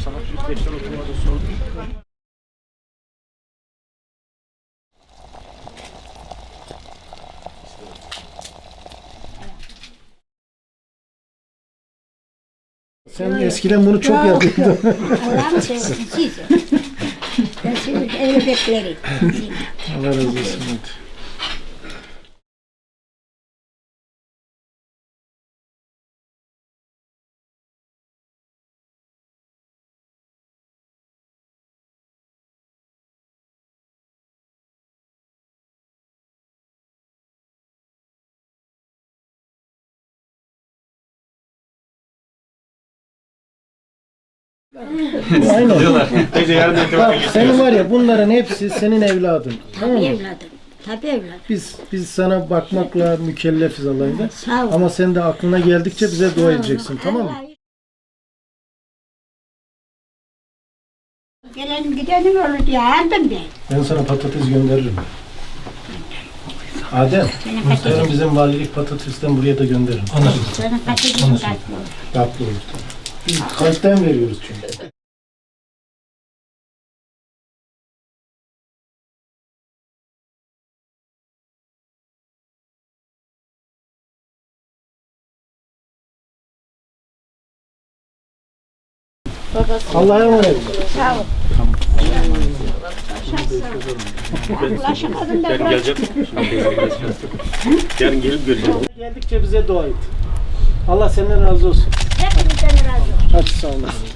sana. 105'ten oturmada sordum. Sen eskiden bunu çok yapıyordun. Allah'ım sevgisi. Ben şimdi evde beklerim. Allah razı olsun. Hadi. Aynen. Teyze yarın Bak itibaren senin var ya bunların hepsi senin evladın. Tamam Tabii mı? evladım. Tabii evladım. Biz sana bakmakla mükellefiz Allah'ıyla. Sağ ol. Ama sen de aklına geldikçe bize dua edeceksin, tamam mı? Gelen gidenim olur diye aldım ben. Ben sana patates gönderirim. Adem, yarın bizim valilik patatesten buraya da gönderirim. Sana patatesim kaçmıyor. Tatlı olur. Biz kalpten veriyoruz çünkü. Allah'a emanet. Sağ ol. Ulaşamadım da yarın gelecek. Yarın gelip göreceğim. Geldikçe bize dua et. Allah senden razı olsun. hepinizden razı olsun. Hadi sağ olasın.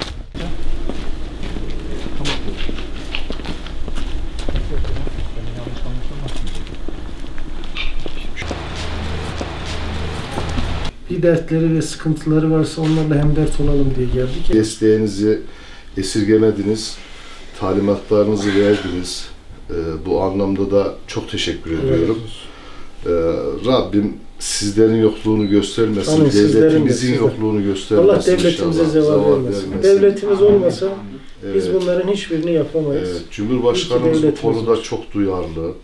Bir dertleri ve sıkıntıları varsa onlarla hemdert olalım diye geldik. Desteğinizi esirgemediniz, talimatlarınızı verdiniz. Bu anlamda da çok teşekkür ediyorum. Rabbim sizlerin yokluğunu göstermesin, Amin, sizlerin de, devletimizin sizlerin. yokluğunu göstermesin. Allah devletimize inşallah. zeval vermesin. Devletimiz olmasa biz bunların hiçbirini yapamayız. Evet, Cumhurbaşkanımız bu devletimiz konuda var. çok duyarlı.